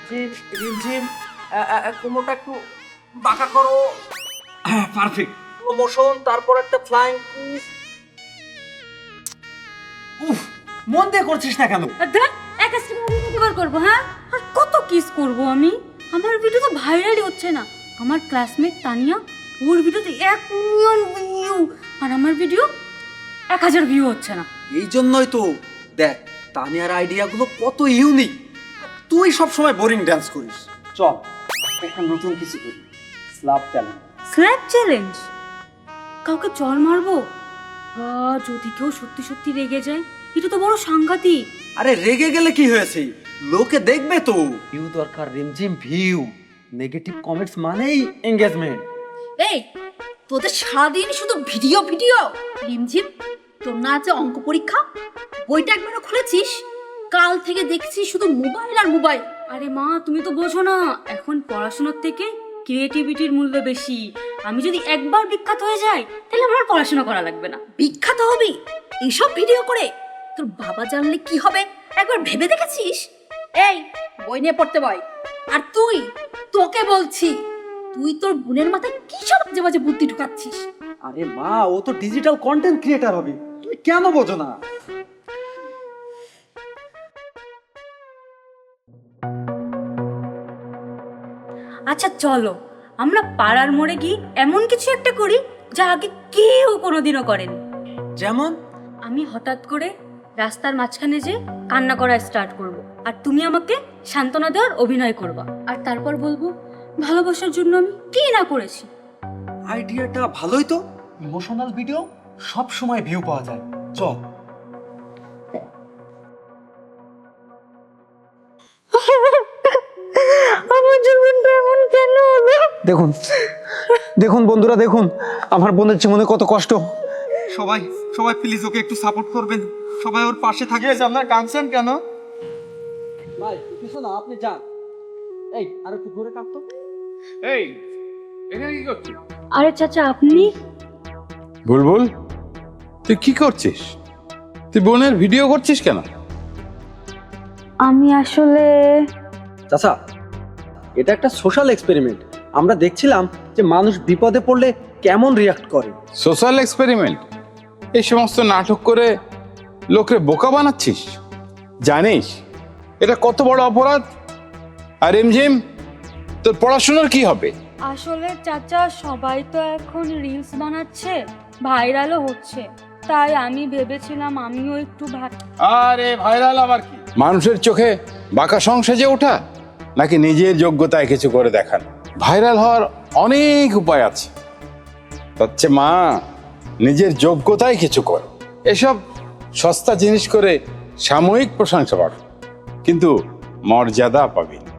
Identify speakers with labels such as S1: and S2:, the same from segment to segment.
S1: রিমঝিম কোমরটা একটু বাঁকা করো। হ্যাঁ, পারফেক্ট। প্রমোশন, তারপর একটা ফ্লাইং কিস। উফ, মন দিয়ে করছিস না কেন?
S2: দেখ একটা স্টিমার করবো, হ্যাঁ? আর কত কিস করব আমি? আমার ভিডিও তো ভাইরালই হচ্ছে না। আমার ক্লাসমেট তানিয়া, ওর ভিডিওতে 1 মিলিয়ন ভিউ, আর আমার ভিডিও 1000 ভিউ হচ্ছে না।
S1: এই জন্যই তো দেখ তানিয়ার আইডিয়াগুলো কত ইউনিক। তুই সব সময় বোরিং ডান্স করিস। চল এখন নতুন কিছু করি, স্ল্যাপ চ্যালেঞ্জ।
S2: Slap challenge? কাউকে চড় মারবো? যদি কেউ সত্যি সত্যি রেগে যায়, এটা তো বড় সাংঘাতিক।
S1: আরে রেগে গেলে কি হয়েছে, লোকে দেখবে তো। ভিউ দরকার রিমঝিম, ভিউ। নেগেটিভ কমেন্টস মানেই এঙ্গেজমেন্ট।
S3: এই তোদের সারাদিন শুধু ভিডিও ভিডিও। রিমঝিম, তোর না আছে অঙ্ক পরীক্ষা, বইটা একবারও খুলেছিস? কাল থেকে দেখছি শুধু মোবাইল আর মোবাইল।
S2: আরে মা, তুমি তো বোঝো না, এখন পড়াশোনার থেকে ক্রিয়েটিভিটির মূল্য বেশি। আমি যদি একবার বিখ্যাত হয়ে যাই, তাহলে আমার পড়াশোনা করা লাগবে না।
S3: বিখ্যাত হবি এইসব ভিডিও করে? তোর বাবা জানলে কি হবে একবার ভেবে দেখেছিস? এই বই নিয়ে পড়তে বয়। আর তুই, তোকে বলছি, তুই তোর বোনের মাথায় কি সব বাজে বাজে বুদ্ধি ঢুকাচ্ছিস?
S1: আরে মা, ও তো ডিজিটাল কন্টেন্ট ক্রিয়েটর হবে, তুমি কেন বোঝো না?
S2: আচ্ছা চলো, আমরা পাড়ার মোড়ে গিয়ে এমন কিছু একটা করি যা আগে কেউ কোনোদিনও করেনি।
S1: যেমন?
S2: আমি হঠাৎ করে রাস্তার মাঝখানে যে কান্না করা স্টার্ট করব, আর তুমি আমাকে সান্ত্বনা দেওয়ার অভিনয় করবা, আর তারপর বলবো ভালোবাসার জন্য আমি কি না করেছি।
S1: আইডিয়াটা ভালোই তো। ইমোশনাল ভিডিও সব সময় ভিউ পাওয়া যায়। চল।
S2: আমার জীবনটা এমন কেন হলো?
S1: দেখুন দেখুন বন্ধুরা, দেখুন আমার বোনের জীবনে কত কষ্ট। সবাই সবাই প্লিজ ওকে একটু সাপোর্ট করবেন, সবাই ওর পাশে থাকে। আপনার কাঁদছেন কেন? ভাই কিছু না, আপনি যান। এই আর একটু ঘুরে কাঁদতো।
S4: এই এখানে কি করছিস?
S2: আরে চাচা, আপনি?
S4: বুলবুল, তুই কি করছিস? তুই বোনের ভিডিও করছিস কেন?
S2: আমি আসলে
S1: চাচা, এটা একটা সোশ্যাল এক্সপেরিমেন্ট। আমরা দেখছিলাম যে মানুষ বিপদে পড়লে কেমন রিয়াক্ট করে।
S4: Social experiment? এই সমস্ত নাটক করে লোকরে বোকা বানাচ্ছিস? জানিস এটা কত বড় অপরাধ? আর রিমঝিম, তোর পড়াশোনার কি হবে?
S2: আসলে চাচা, সবাই তো এখন রিলস বানাচ্ছে, ভাইরালও হচ্ছে, তাই আমি ভেবেছিলাম আমিও একটু
S4: আরে ভাইরাল আবার কি? মানুষের চোখে বাঁকা সং সেজে ওঠা, নাকি নিজের যোগ্যতায় কিছু করে দেখান? ভাইরাল হওয়ার অনেক উপায় আছে, হচ্ছে মা নিজের যোগ্যতায় কিছু কর। এসব সস্তা জিনিস করে সাময়িক প্রশংসা পাবে, কিন্তু মর্যাদা পাবি না।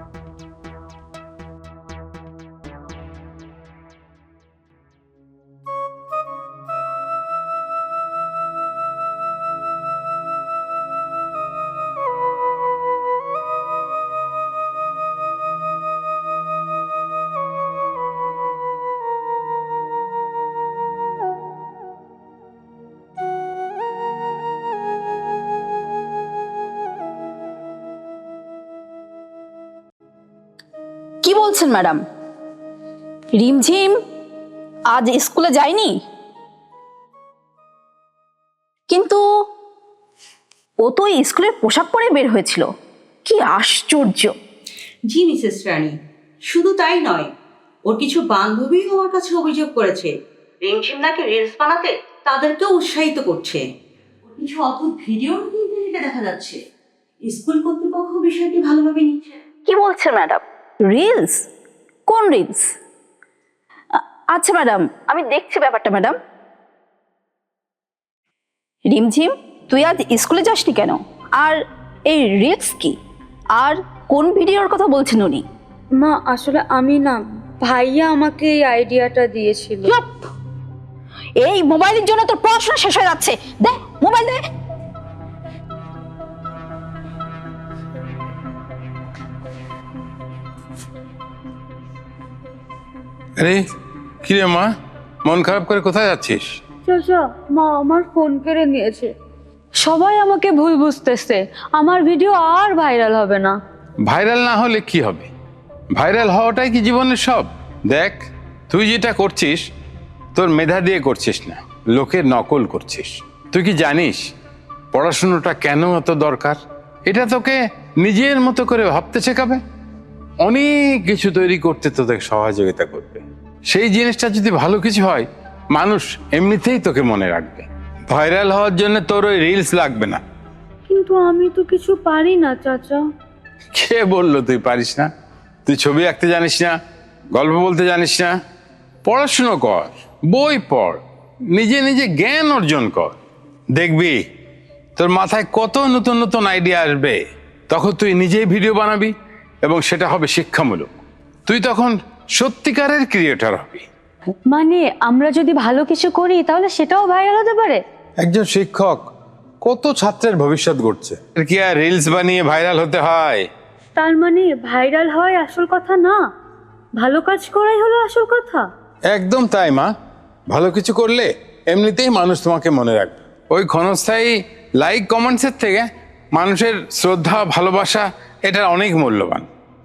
S3: কি বলছেন ম্যাডাম? রিমঝিম আজ স্কুলে যায়নি? কিন্তু ও তো স্কুলের পোশাক পরে বের হয়েছিল, কি আশ্চর্য!
S5: জি মিসেস রানী, শুধু তাই নয়, ওর কিছু বান্ধবী আমার কাছে অভিযোগ করেছে রিমঝিম নাকি রিলস বানাতে তাদেরকেও উৎসাহিত করছে। ওর কিছু অদ্ভুত ভিডিও ইন্টারনেটে দেখা যাচ্ছে। স্কুল কর্তৃপক্ষ বিষয়টি ভালোভাবে নিচ্ছে।
S3: কি বলছেন ম্যাডাম? রিলস? কোন রিলস? আচ্ছা ম্যাডাম, আমি দেখছি ব্যাপারটা। ম্যাডাম, রিমঝিম, তুই আজ স্কুলে যাসনি কেন? আর এই রিলস কি? আর কোন ভিডিওর কথা বলছেন উনি?
S2: মা, আসলে আমি না, ভাইয়া আমাকে এই আইডিয়াটা দিয়েছিল।
S3: এই মোবাইলের জন্য তোর পড়াশোনা শেষ হয়ে যাচ্ছে। দে মোবাইল দে।
S4: আরে কি রে মা, মন খারাপ করে কোথায় যাচ্ছিস?
S2: চাচা, মা আমার ফোন কেড়ে নিয়েছে। সবাই আমাকে ভুল বুঝতেছে, আমার ভিডিও আর ভাইরাল হবে না।
S4: ভাইরাল না হলে কি হবে? ভাইরাল হওয়াটাই কি জীবনের সব? দেখ, তুই যেটা করছিস তোর মেধা দিয়ে করছিস না, লোকের নকল করছিস। তুই কি জানিস পড়াশোনাটা কেন এত দরকার? এটা তোকে নিজের মতো করে ভাবতে শেখাবে, অনেক কিছু তৈরি করতে তোদের সহযোগিতা করবে। সেই জিনিসটা যদি ভালো কিছু হয়, মানুষ এমনিতেই তোকে মনে রাখবে। ভাইরাল হওয়ার জন্য তোর ওই রিলস লাগবে না।
S2: কিন্তু আমি তো কিছু পারি না চাচা।
S4: কে বললো তুই পারিস না? তুই ছবি আঁকতে জানিস না, গল্প বলতে জানিস না? পড়াশুনো কর, বই পড়, নিজে নিজে জ্ঞান অর্জন কর। দেখবি তোর মাথায় কত নতুন নতুন আইডিয়া আসবে। তখন তুই নিজেই ভিডিও বানাবি এবং সেটা হবে শিক্ষামূলক। তুই তখন সত্যিকারের ক্রিয়েটর হবি।
S2: মানে আমরা যদি ভালো কিছু করি তাহলে সেটাও ভাইরাল হতে পারে?
S4: একজন শিক্ষক কত ছাত্রের ভবিষ্যৎ গড়ছে। এর কি আর রিলস বানিয়ে ভাইরাল হতে হয়?
S2: তার মানে ভাইরাল হয় আসল কথা না, ভালো কাজ করাই হলো আসল কথা।
S4: একদম তাই মা। ভালো কিছু করলে এমনিতেই মানুষ তোমাকে মনে রাখবে। ওই ক্ষণস্থায়ী লাইক কমেন্টসের থেকে মানুষের শ্রদ্ধা ভালোবাসা এটা অনেক মূল্যবান।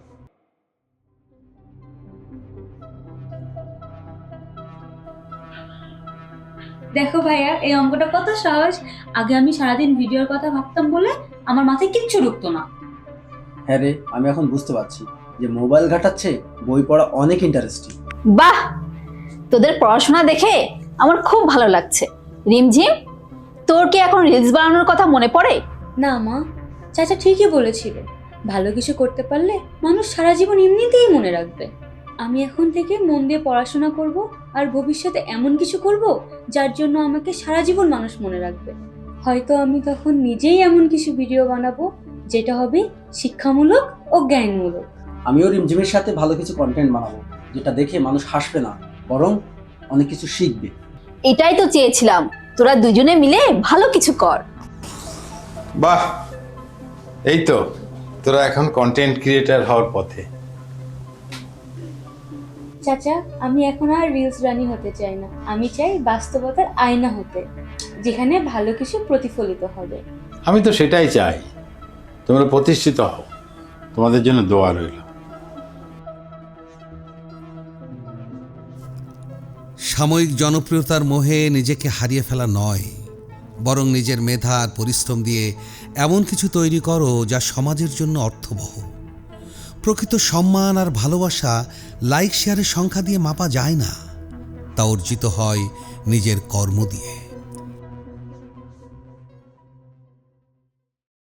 S2: দেখো ভাইয়া, এই অঙ্কটা কত সহজ। আগে আমি সারাদিন ভিডিওর কথা ভাবতাম বলে আমার মাথায় কিচ্ছু ঢুকতো না।
S6: হ্যাঁ রে, আমি এখন বুঝতে পারছি যে মোবাইল ঘাটাচ্ছে বই পড়া অনেক ইন্টারেস্টিং।
S3: বাহ, তোদের পড়াশোনা দেখে আমার খুব ভালো লাগছে। রিমঝিম, তোর কি এখন রিলস বানানোর কথা মনে পড়ে?
S2: না মা, চাচা ঠিকই বলেছিল, ভালো কিছু করতে পারলে মানুষ সারা জীবন এমনিতেই মনে রাখবে। আমি এখন থেকে মন দিয়ে পড়াশোনা করব আর ভবিষ্যতে এমন কিছু করব যার জন্য আমাকে সারা জীবন মানুষ মনে রাখবে। হয়তো আমি তখন নিজেই এমন কিছু ভিডিও বানাবো যেটা হবে শিক্ষামূলক ও জ্ঞানমূলক।
S6: আমিও রিমঝিমের সাথে ভালো কিছু কন্টেন্ট বানাবো, যেটা দেখে মানুষ হাসবে না, বরং অনেক কিছু শিখবে।
S3: এটাই তো চেয়েছিলাম, তোরা দুজনে মিলে ভালো কিছু কর।
S4: বাহ, এই তো তোরা এখন কন্টেন্ট ক্রিয়েটর হওয়ার পথে।
S2: চাচা, আমি এখন আর রিলস রানি হতে চাই না, আমি চাই বাস্তবতার আয়না হতে, যেখানে ভালো কিছু প্রতিফলিত হবে।
S4: আমি তো সেটাই চাই, তোমরা প্রতিষ্ঠিত হও। তোমাদের জন্য দোয়া রইল।
S7: সাময়িক জনপ্রিয়তার মোহে নিজেকে হারিয়ে ফেলা নয়, বরং নিজের মেধা আর পরিশ্রম দিয়ে এমন কিছু তৈরি করো যা সমাজের জন্য অর্থবহ। প্রকৃত সম্মান আর ভালোবাসা লাইক শেয়ারের সংখ্যা দিয়ে মাপা যায় না, তা অর্জিত হয় নিজের কর্ম দিয়ে।